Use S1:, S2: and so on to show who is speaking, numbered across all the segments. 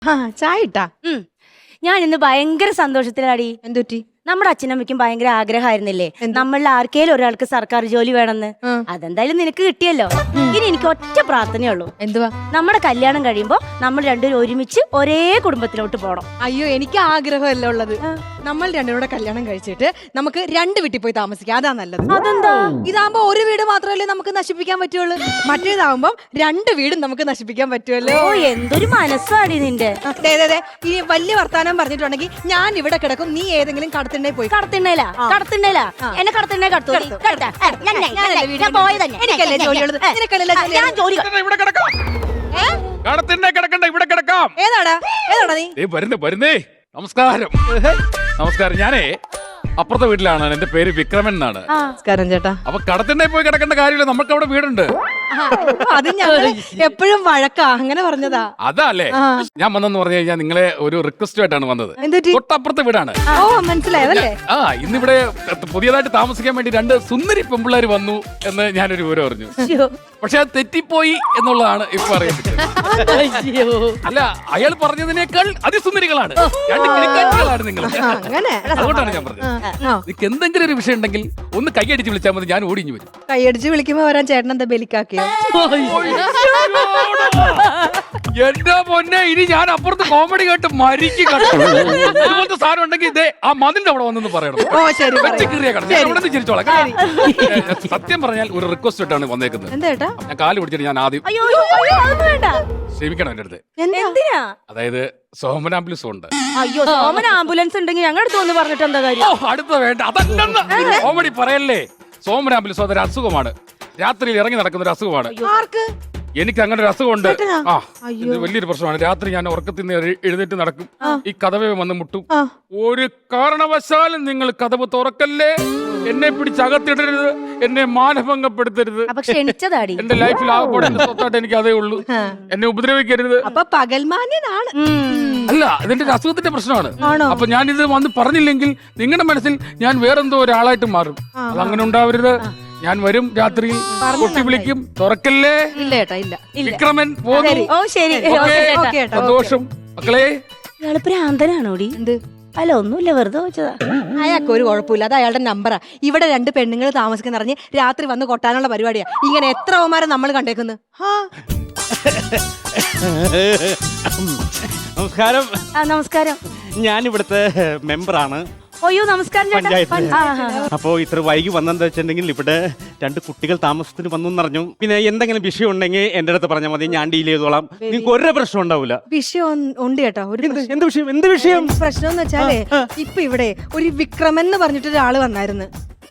S1: ചായ ഇട്ടാ?
S2: ഞാൻ ഇന്ന് ഭയങ്കര സന്തോഷത്തിലാടി.
S1: എന്തുറ്റി?
S2: നമ്മുടെ അച്ഛനമ്മയ്ക്കും ഭയങ്കര ആഗ്രഹമായിരുന്നില്ലേ നമ്മളിൽ ആർക്കേലും ഒരാൾക്ക് സർക്കാർ ജോലി വേണമെന്ന്. അതെന്തായാലും നിനക്ക് കിട്ടിയല്ലോ. ഇനി എനിക്ക് ഒറ്റ പ്രാർത്ഥനയുള്ളൂ.
S1: എന്തുവാ?
S2: നമ്മുടെ കല്യാണം കഴിയുമ്പോ നമ്മൾ രണ്ടുപേരും ഒരുമിച്ച് ഒരേ കുടുംബത്തിലോട്ട് പോണം.
S1: അയ്യോ, എനിക്ക് ആഗ്രഹമല്ല ഉള്ളത്. നമ്മൾ രണ്ടുപേരുടെ കല്യാണം കഴിച്ചിട്ട് നമുക്ക് രണ്ട് വീട്ടിൽ പോയി താമസിക്കാം. അതാ നല്ലത്.
S2: അതെന്താ?
S1: ഇതാകുമ്പോ ഒരു വീട് മാത്രമല്ലേ നമുക്ക് നശിപ്പിക്കാൻ പറ്റുള്ളൂ. മറ്റേതാവുമ്പോ രണ്ട് വീടും നമുക്ക് നശിപ്പിക്കാൻ പറ്റുമല്ലോ.
S2: ഓ, എന്തൊരു മനസ്സാടി നിന്റെ.
S1: ഇനി വലിയ വർത്താനം പറഞ്ഞിട്ടുണ്ടെങ്കിൽ ഞാൻ ഇവിടെ കിടക്കും, നീ ഏതെങ്കിലും കടത്തിണ്ണേ പോയി.
S2: കടത്തിണ്ണയിലാ? എന്നെ കടത്തിണ്ണ കടത്തു.
S1: എനിക്കല്ലേ ജോലിയുള്ളത്? ഏതാടാ നീ?
S3: വരുന്നേ. നമസ്കാരം. നമസ്കാരം. ഞാനേ അപ്പുറത്തെ വീട്ടിലാണ്. എന്റെ പേര് വിക്രമൻ എന്നാണ്.
S1: നമസ്കാരം ചേട്ടാ.
S3: അപ്പൊ കടത്തിണ്ണെ പോയി കിടക്കേണ്ട കാര്യമില്ല, നമുക്ക് അവിടെ വീടുണ്ട്.
S1: അത് ഞാൻ എപ്പോഴും വഴക്കാ, അങ്ങനെ പറഞ്ഞതാ.
S3: അതല്ലേ ഞാൻ വന്നെന്ന് പറഞ്ഞു കഴിഞ്ഞാൽ നിങ്ങളെ ഒരു റിക്വസ്റ്റ് ആയിട്ടാണ് വന്നത്. തൊട്ടപ്പുറത്തെ വീടാണ്.
S1: ഓ, മനസ്സിലായതല്ലേ?
S3: ഇന്നിവിടെ പുതിയതായിട്ട് താമസിക്കാൻ വേണ്ടി രണ്ട് സുന്ദരി പെമ്പിള്ളേർ വന്നു എന്ന് ഞാനൊരു വിവരം അറിഞ്ഞു. പക്ഷെ അത് തെറ്റിപ്പോയി എന്നുള്ളതാണ് ഇപ്പൊ അറിയുന്നത്. അല്ല, അയാൾ പറഞ്ഞതിനേക്കാൾ അതിസുന്ദരികളാണ്, രണ്ട് കിളിക്കാറ്റികളാണ് നിങ്ങൾ. അതുകൊണ്ടാണ് ഞാൻ പറഞ്ഞത്. നിനക്ക് എന്തെങ്കിലും ഒരു വിഷയം ഉണ്ടെങ്കിൽ ഒന്ന് കൈയടിച്ച് വിളിച്ചാൽ മതി, ഞാൻ ഓടിഞ്ഞു വരും.
S1: കൈയടിച്ച് വിളിക്കുമ്പോ വരാൻ ചേട്ടൻ എന്താ ബലിക്കാക്കിയോ?
S3: എന്റെ പൊന്നെ, ഇനി ഞാൻ അപ്പുറത്ത് കോമഡി കേട്ട് മരിക്കും. ഇതുപോലത്തെ സാധനം ഉണ്ടെങ്കിൽ ഇതേ ആ മതിന്റെ അവിടെ വന്നെന്ന് പറയണം. ചിരിച്ചോളാം. സത്യം പറഞ്ഞാൽ ഒരു റിക്വസ്റ്റ് ആയിട്ടാണ് വന്നേക്കുന്നത്. ഞാൻ കാല് പിടിച്ചിട്ട് ഞാൻ ആദ്യം ക്ഷമിക്കണം എന്റെ അടുത്ത്. അതായത് സോമൻ ആംബുലൻസ് ഉണ്ട്.
S2: അയ്യോ, സോമൻ ആംബുലൻസ് ഉണ്ടെങ്കിൽ ഞങ്ങളുടെ അടുത്ത് ഒന്ന് പറഞ്ഞിട്ട് എന്താ കാര്യം?
S3: അടുത്ത വേണ്ട, അതല്ലെന്ന് കോമഡി പറയല്ലേ. സോമൻ ആംബുലൻസ് അതൊരു അസുഖമാണ്, രാത്രിയിൽ ഇറങ്ങി നടക്കുന്ന ഒരു അസുഖമാണ്. എനിക്ക് അങ്ങനെ ഒരു അസുഖമുണ്ട്. ഇത് വലിയൊരു പ്രശ്നമാണ്. രാത്രി ഞാൻ ഉറക്കത്തിൽ നിന്ന് എഴുന്നേറ്റ് നടക്കും, ഈ കതവേ വന്ന് മുട്ടും. ഒരു കാരണവശാലും നിങ്ങൾ കതവ് തുറക്കല്ലേ, എന്നെ പിടിച്ച് അകത്തിടരുത്, എന്നെ മാനഭംഗപ്പെടുത്തരുത്. എന്റെ ലൈഫിൽ ആകെപ്പാടെ സ്വത്തായിട്ട് എനിക്ക് അതേ ഉള്ളൂ. എന്നെ ഉപദ്രവിക്കരുത്. അല്ല, ഇതിന്റെ ഒരു അസുഖത്തിന്റെ പ്രശ്നമാണ്. അപ്പൊ ഞാൻ ഇത് വന്ന് പറഞ്ഞില്ലെങ്കിൽ നിങ്ങളുടെ മനസ്സിൽ ഞാൻ വേറെന്തോ ഒരാളായിട്ട് മാറും. അതങ്ങനെ ഉണ്ടാവരുത്. ഞാൻ വരും, രാത്രിയിൽ കൊട്ടി വിളിക്കും, തുറക്കല്ലേ. വിക്രമൻ പോന്നു. സന്തോഷം മക്കളെ.
S2: ഭ്രാന്തനാണോടി? അല്ല, ഒന്നുമില്ല, വെറുതെ വെച്ചതാ.
S1: അയാൾക്ക് ഒരു കുഴപ്പമില്ല, അത് അയാളുടെ നമ്പറാ. ഇവിടെ രണ്ട് പെണ്ണുങ്ങൾ താമസിക്കുന്ന അറിഞ്ഞ് രാത്രി വന്ന് കൊട്ടാനുള്ള പരിപാടിയാ. ഇങ്ങനെ എത്ര അവന്മാരെ നമ്മൾ കണ്ടേക്കുന്നു.
S4: നമസ്കാരം.
S2: നമസ്കാരം.
S4: ഞാൻ ഇവിടുത്തെ മെമ്പറാണ്.
S2: അയ്യോ, നമസ്കാരം.
S4: അപ്പോ ഇത്ര വൈകി വന്നെന്താ വെച്ചിട്ടുണ്ടെങ്കിൽ ഇവിടെ രണ്ട് കുട്ടികൾ താമസത്തിന് വന്നു എന്നറിഞ്ഞു. പിന്നെ എന്തെങ്കിലും വിഷയം ഉണ്ടെങ്കിൽ എന്റെ അടുത്ത് പറഞ്ഞാൽ മതി, ഞാൻ ഡീൽ ചെയ്തോളാം. നിങ്ങൾക്ക് ഒരു പ്രശ്നം ഉണ്ടാവില്ല.
S1: വിഷയം ഉണ്ട് കേട്ടോ.
S4: എന്ത് വിഷയം? എന്ത് വിഷയം?
S1: പ്രശ്നം എന്ന് വെച്ചാലേ, ഇപ്പൊ ഇവിടെ ഒരു വിക്രമൻ എന്ന് പറഞ്ഞിട്ട് ഒരാള് വന്നായിരുന്നു.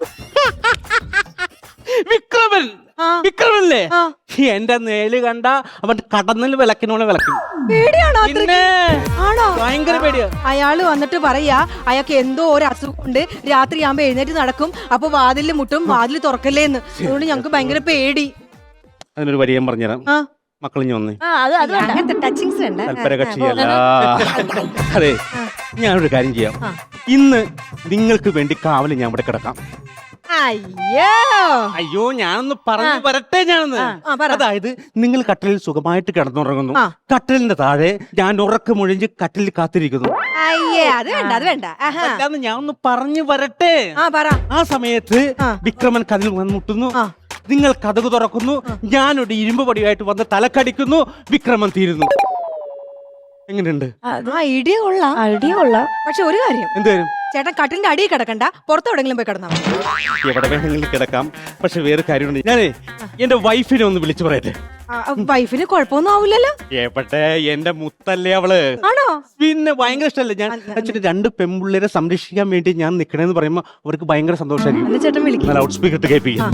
S4: വിക്രമൻ? വിക്രമല്ലേ? എന്റെ നേല് കണ്ട അവൻ കടന്നിൽ വിളക്കിനോളെ വിളക്കും.
S1: പേടിയാണോ?
S4: ആണോ? ഭയങ്കര പേടിയാ.
S1: അയാള് വന്നിട്ട് പറയാ അയാൾക്ക് എന്തോ ഒരു അസുഖമുണ്ട്, രാത്രി ആകുമ്പോ എഴുന്നേറ്റ് നടക്കും, അപ്പൊ വാതിലിൽ മുട്ടും, വാതിൽ തുറക്കല്ലേന്ന്. അതുകൊണ്ട് ഞങ്ങക്ക് ഭയങ്കര പേടി.
S4: അതിനൊരു വരി ഞാൻ പറഞ്ഞുതരാം. മക്കളിഞ്ഞ് വന്നേ.
S1: ടച്ചിങ്സ്
S4: താല്പര്യകക്ഷിയല്ല. അതെ, ഞാനൊരു കാര്യം ചെയ്യാം. ഇന്ന് നിങ്ങൾക്ക് വേണ്ടി കാവല് ഞാൻ ഇവിടെ കിടക്കാം. അയ്യോ, ഞാനൊന്ന് പറഞ്ഞു വരട്ടെ. അതായത് നിങ്ങൾ കട്ടിലിൽ സുഖമായിട്ട് കിടന്നുറങ്ങുന്നു, കട്ടിലിന്റെ താഴെ ഞാൻ ഉറക്കമൊഴിഞ്ഞ് കട്ടിലിൽ കാത്തിരിക്കുന്നു. ഞാൻ ഒന്ന് പറഞ്ഞു വരട്ടെ. ആ സമയത്ത് വിക്രമൻ കതിൽ വന്ന് മുട്ടുന്നു, നിങ്ങൾ കതക് തുറക്കുന്നു, ഞാനൊരു ഇരുമ്പ് പടിയായിട്ട് വന്ന് തലക്കടിക്കുന്നു, വിക്രമൻ തീരുന്നു. എങ്ങനെയുണ്ട്?
S1: ഐഡിയ കൊള്ളാം. പക്ഷെ ഒരു കാര്യം,
S4: എന്തായാലും
S1: ചേട്ടൻ കട്ടിലിന്റെ അടിയിൽ കിടക്കണ്ട, പുറത്തെവിടെങ്കിലും പോയി കിടന്നാ മതി.
S4: എവിടെ വേണമെങ്കിലും കിടക്കാം. പക്ഷെ വേറെ കാര്യമുണ്ട്, ഞാനേ എന്റെ വൈഫിനെ ഒന്ന് വിളിച്ചു പറയട്ടെ.
S1: വൈഫിന് കുഴപ്പമൊന്നും ആവില്ലല്ലോ?
S4: എവിടെ, എന്റെ മുത്തല്ലേ അവള്.
S1: ആണോ?
S4: പിന്നെ ഭയങ്കര ഇഷ്ടമല്ലേ. ഞാൻ വെച്ചിട്ട് രണ്ട് പെൺപിള്ളേരെ സംരക്ഷിക്കാൻ വേണ്ടി ഞാൻ നിക്കണേന്ന് പറയുമ്പോ അവർക്ക് ഭയങ്കര സന്തോഷമായിരിക്കും.
S1: ചേട്ടൻ വിളിക്കും.
S4: ലൗഡ് സ്പീക്കർ ഇട്ട് കേൾപ്പിക്കും.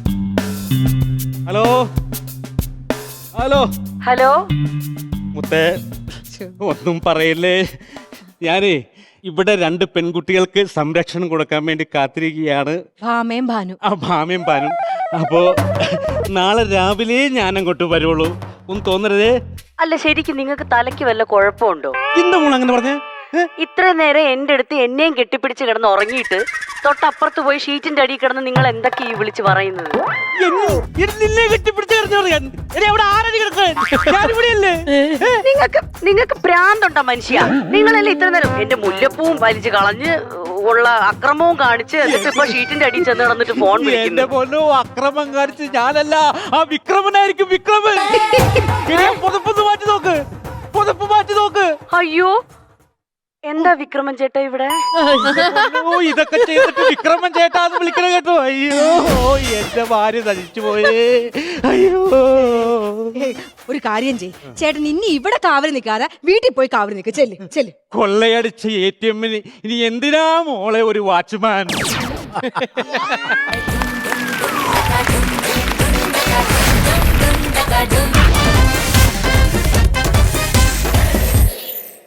S4: ഹലോ ഹലോ
S2: ഹലോ
S4: മുത്തേ, ഒന്നും പറയല്ലേ. ഞാനേ ഇവിടെ രണ്ട് പെൺകുട്ടികൾക്ക് സംരക്ഷണം കൊടുക്കാൻ വേണ്ടി കാത്തിരിക്കുകയാണ്.
S1: ഭാമയും
S4: ഭാനും. അപ്പോ നാളെ രാവിലെ ഞാൻ അങ്ങോട്ട് വരുള്ളൂ. ഒന്നും തോന്നരുതേ.
S2: അല്ല, ശരിക്കും നിങ്ങൾക്ക് തലയ്ക്ക് വല്ല കുഴപ്പമുണ്ടോ?
S4: എന്താ മോൾ അങ്ങനെ പറഞ്ഞേ?
S2: ഇത്ര നേരം എന്റെ അടുത്ത് എന്നെയും കെട്ടിപ്പിടിച്ച് കിടന്ന് ഉറങ്ങിയിട്ട് തൊട്ടപ്പുറത്ത് പോയി ഷീറ്റിന്റെ അടിയിൽ കിടന്ന് നിങ്ങൾ എന്തൊക്കെ ഈ വിളിച്ച് പറയുന്നത്?
S4: നിന്നെ കെട്ടിപ്പിടിച്ച് കിടന്നു പറയാൻ അവിടെ ആരടി കിടക്കാൻ ഞാനിവിടെയല്ലേ?
S2: നിങ്ങൾക്ക് ഭ്രാന്തുണ്ടോ മനുഷ്യ? നിങ്ങളല്ലേ ഇത്ര നേരം എന്റെ മുല്ലപ്പൂവും വലിച്ചു കളഞ്ഞ് ഉള്ള അക്രമവും കാണിച്ച് എന്നിട്ട് ഇപ്പൊ ഷീറ്റിന്റെ അടിയിൽ ചെന്ന് കിടന്നിട്ട് ഫോൺ
S4: എന്റെ
S2: വിളിക്കുന്നു.
S4: പൊന്നോ, അക്രമം കാണിച്ച് ഞാനല്ല, ആ വിക്രമനായിരിക്കും. വിക്രമൻ പുതപ്പൊന്ന് മാറ്റി നോക്ക്, പുതപ്പ് മാറ്റി നോക്ക്.
S2: അയ്യോ, എന്താ വിക്രമൻ ചേട്ടാ ഇവിടെ?
S4: ഇതൊക്കെ ചെയ്തിട്ട് വിക്രമൻ ചേട്ടാന്ന് വിളിക്കണ കേട്ടോ. അയ്യോ, എന്റെ ഭാര്യ നശിച്ചു പോയേ. അയ്യോ,
S1: ഒരു കാര്യം ചെയ് ചേട്ടൻ, ഇനി ഇവിടെ കാവല് നിൽക്കാതെ വീട്ടിൽ പോയി കാവല് നിൽക്ക്. ചെല്ല് ചെല്ല്.
S4: കൊള്ളയടിച്ച ATM ഇനി എന്തിനാ മോളെ ഒരു വാച്ച്മാൻ?
S5: Dum